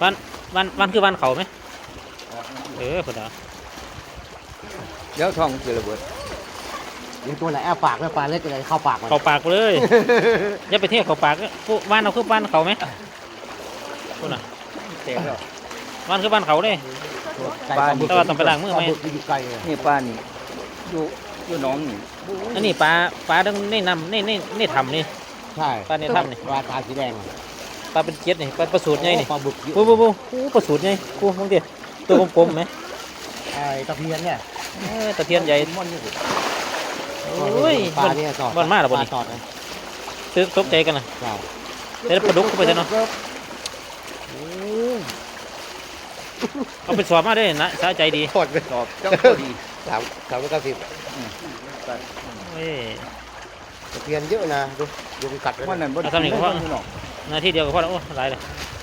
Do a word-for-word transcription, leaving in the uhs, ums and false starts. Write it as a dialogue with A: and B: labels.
A: วันวันวันคือวันเขาไหมเออคนละ
B: เดี๋ยวท้องจะระเบิด
C: เดี๋ยวตัวไหนอ้าปากไม่ปลาเล็กอะไรเข้าปากมัน
A: เขาปากไปเลยอย่าไปเที่ยวเขาปากผู้บ้านเราคือบ้านเขาไหมคนละ
B: เตะแล้ว
A: บ้านคือบ้านเขาเลย
C: ไก่ปลาบึก
A: แต่ว่าต้องไปล้างมือไหม
C: ปลาบึกไปอยู่ไกลเลย
B: นี่ป้านี่อยู่อยู่หน้องนี่
A: อันนี้ปลาปลาต้องนี่นำนี่นี่นี่ทำนี่
C: ใช่
A: ปลาในถ้ำนี่
C: ปลาตาสีแดง
A: ปลาเป็นเจ็ดนี่ปลาประสูตรไงนี่
C: ปลาบึกเยอะ
A: ปูปูปูปูประสูตรไงปูมองดิตัวกลมๆไหม
C: ไอ้ตะเพียนเนี่ย
A: เออตะเพียนใหญ่
C: มันนี่
A: โอ้ย
C: ปลาเนี่ยสอด
A: บอนมากหรอ
C: ป
A: บน
C: ลา
A: นี้
C: สอดเลย
A: ตึกตกใจกันนะ
C: ใช่
A: เดี๋ยวปลาดุกเข้าไปเถอะเนาะเอาไปสอบมาได้นะสะใจดี
C: ทอดไป
B: ตอบเจ้าตัวดี
C: สามสามร้อยเก้าสิบ
A: เอ้ย
C: ตะเพียนเยอะนะดูดูมันกัดไว้
B: วัน
C: นะ
B: นั้นบ่
A: เอาทำนี่ก็พอ
B: อยู่หนอง
A: นาทีเดียวก็พอแล้วโอ้หลายเลย